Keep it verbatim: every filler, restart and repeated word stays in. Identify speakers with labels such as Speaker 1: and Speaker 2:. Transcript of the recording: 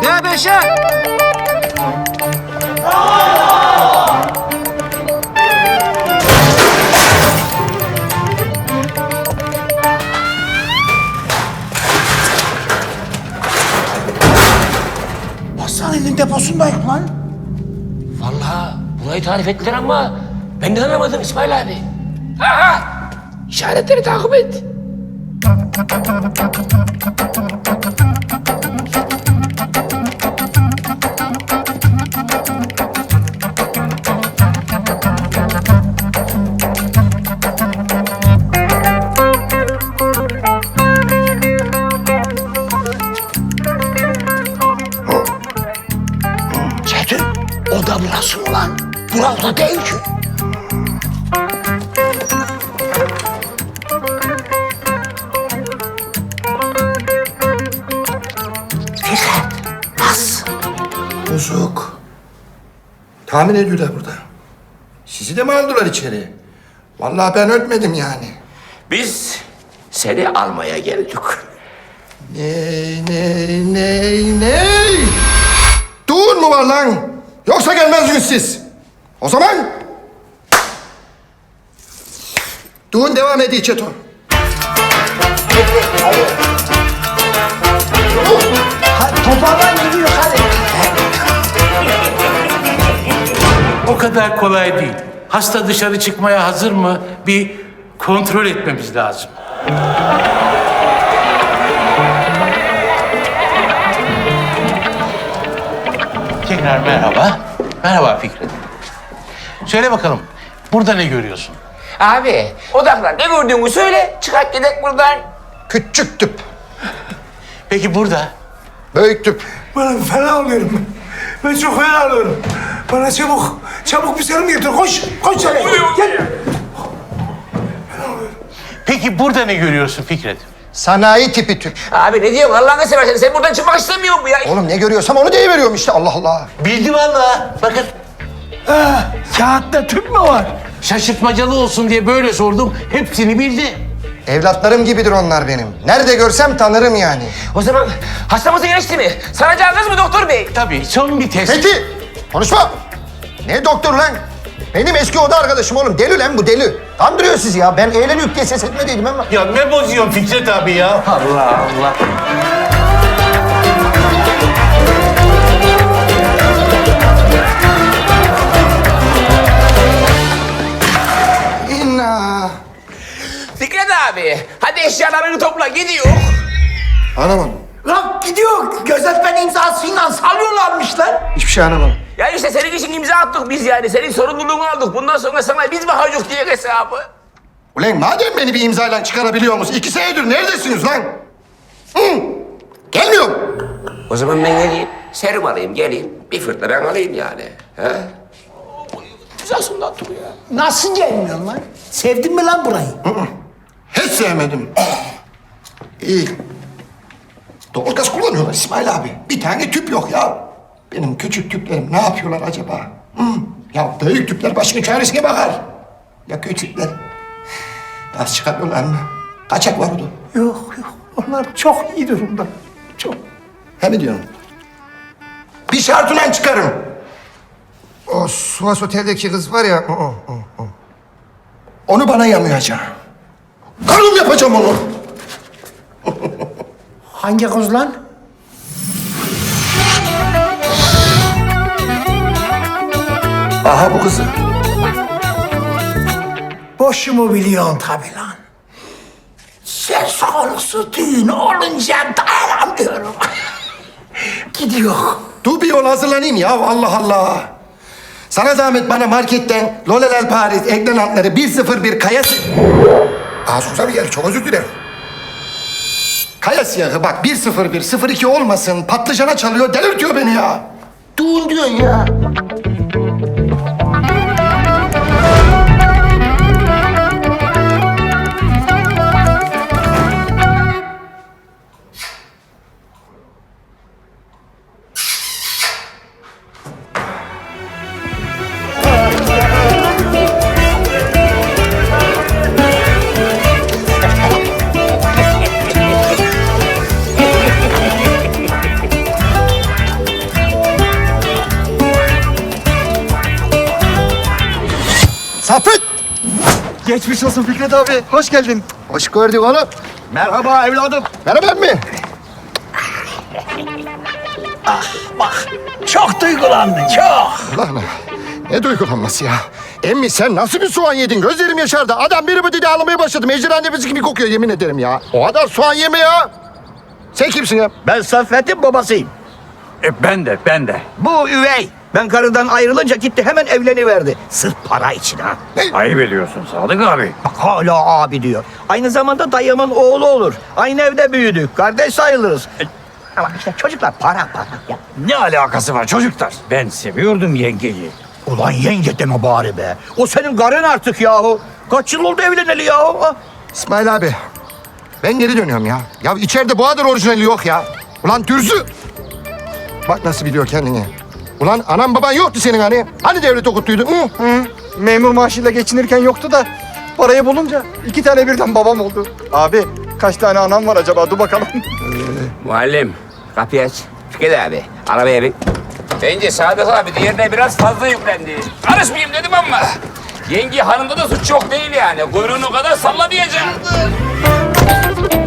Speaker 1: Ya Beşer!
Speaker 2: Hastanenin deposundayım lan.
Speaker 3: Vallahi burayı tarif ettiler ama ben de anlamadım İsmail abi. Aha! İşaretleri takip et.
Speaker 2: Çetin, o da burası mı lan? Burası değil ki. Fikret, nasıl?
Speaker 4: Bozuk. Tahmin ediyorlar burada. Sizi de mi aldılar içeri? Vallahi ben ölmedim yani.
Speaker 3: Biz seni almaya geldik.
Speaker 4: Ney, ney, ney, ney? Düğün mü var lan? Yoksa gelmezdiniz siz. O zaman... Düğün devam ediyor Çeto.
Speaker 2: Hadi toparlan gidiyor hadi.
Speaker 5: O kadar kolay değil. Hasta dışarı çıkmaya hazır mı? Bir kontrol etmemiz lazım. Tekrar merhaba. Merhaba Fikret. Söyle bakalım, burada ne görüyorsun?
Speaker 3: Abi odaklan, ne gördüğünü söyle, çıkart gidelim buradan.
Speaker 4: Küçük tüp.
Speaker 5: Peki burada?
Speaker 4: Büyük tüp.
Speaker 6: Bana fena oluyorum ben. Ben çok fena oluyorum. Bana çabuk, çabuk bir serum getir. Koş, koş sen. Gel.
Speaker 5: Peki burada ne görüyorsun Fikret?
Speaker 4: Sanayi tipi tüp.
Speaker 3: Abi ne diyorsun Allah'ını seversen, sen buradan çıkmak istemiyor musun ya?
Speaker 4: Oğlum ne görüyorsam onu deyiveriyorum işte Allah Allah.
Speaker 5: Bildi vallahi. Bakın
Speaker 6: Ha, kağıtta tüp mü var?
Speaker 5: şaşırtmacalı olsun diye böyle sordum. Hepsini bildi.
Speaker 4: Evlatlarım gibidir onlar benim. Nerede görsem tanırım yani.
Speaker 3: O zaman hastamızı geçti mi? Saracağınız mı doktor bey?
Speaker 5: Tabii son bir test.
Speaker 4: Peki, konuşma. Ne doktor lan? Benim eski oda arkadaşım oğlum. Deli lan bu deli. Kandırıyor sizi ya. Ben eğleniyor diye ses etmediydim ama.
Speaker 5: Ya ne bozuyorsun Fikret abi ya? Allah Allah.
Speaker 4: İnna.
Speaker 3: Fikret abi, hadi eşyalarını topla, gidiyor.
Speaker 4: Anlamadım.
Speaker 2: Lan gidiyor. Gözetmen imzasıyla salıyorlarmış lan.
Speaker 4: Hiçbir şey anlamadım.
Speaker 3: Ya işte senin için imza attık biz yani, senin sorumluluğunu aldık. Bundan sonra sana biz bakacağız diye hesabı.
Speaker 4: Ulan madem beni bir imzayla çıkarabiliyor musunuz? İki senedir neredesiniz lan? Hı? Gelmiyorum.
Speaker 3: O zaman ben geleyim, serum alayım, geleyim. Bir fırtına ben alayım yani. He? Güzelsin da dur ya.
Speaker 2: Nasıl gelmiyorsun lan? Sevdin mi lan burayı?
Speaker 4: Hiç sevmedim. İyi. Doğalgaz kullanıyorlar İsmail abi. Bir tane tüp yok ya. Benim küçük tüplerim ne yapıyorlar acaba? Hı? Ya büyük tüpler başının çaresine bakar. Ya küçükler? Gaz çıkarıyorlar mı? Kaçak var orada.
Speaker 6: Yok, yok. Onlar çok iyi durumda. Çok.
Speaker 4: He mi diyorsun? Bir şartla çıkarım. O Suas Otel'deki kız var ya. O, o, o, o. Onu bana yamayacağım. Karım yapacağım onu.
Speaker 2: Hangi kız lan?
Speaker 4: Aha bu kızı.
Speaker 2: Boşumu biliyorsun tabii lan. Söz konusu düğün olunca dayanamıyorum. Gidiyor.
Speaker 4: Dur bir yol hazırlanayım ya Allah Allah. Sana zahmet bana marketten Lolelel Paris eklenantları bir sıfır bir kaya... Aa Suzan bir çok özür dilerim. Kaya siyahı bak bir sıfır bir sıfır iki olmasın patlıcana çalıyor delirtiyor beni ya. Dur diyorsun ya.
Speaker 1: Geçmiş olsun Fikret abi. Hoş geldin.
Speaker 4: Hoş gördük oğlum.
Speaker 2: Merhaba evladım.
Speaker 4: Merhaba emmi.
Speaker 2: Çok duygulandın çok.
Speaker 4: Lan ne duygulanması ya. Emmi sen nasıl bir soğan yedin? Gözlerim yaşardı. Adam biri bu dedi ağlamaya başladı. Ejderha nefesi gibi kokuyor yemin ederim ya. O kadar soğan yeme ya. Sen kimsin ya?
Speaker 2: Ben Saffet'in babasıyım.
Speaker 1: E, ben de, ben de.
Speaker 2: Bu üvey. Ben karıdan ayrılınca gitti hemen evleniverdi. Sırf para için ha.
Speaker 1: Ayıp ediyorsun Sadık abi.
Speaker 2: Bak hala abi diyor. Aynı zamanda dayımın oğlu olur. Aynı evde büyüdük. Kardeş sayılırız. Ama işte çocuklar para para ya.
Speaker 1: Ne alakası var çocuklar? Ben seviyordum yengeyi.
Speaker 2: Ulan yenge deme bari be. O senin karın artık yahu. Kaç yıl oldu evleneli yahu? Ha?
Speaker 4: İsmail abi. Ben geri dönüyorum ya. Ya içeride bu kadar orijinali yok ya. Ulan Dürzü. Bak nasıl biliyor kendini. Ulan anan baban yoktu senin hani. Hani devlet okuttuydun? Hı?
Speaker 1: Hı, memur maaşıyla geçinirken yoktu da parayı bulunca iki tane birden babam oldu. Abi kaç tane anam var acaba? Dur bakalım.
Speaker 3: Muallim, kapıyı aç. Fikret abi, arabaya bin. Bence Sadık abi diğerine biraz fazla yüklendi. Karışmayayım dedim ama. Yenge hanımda da suç çok değil yani. Kuyruğunu o kadar salla diyeceğim.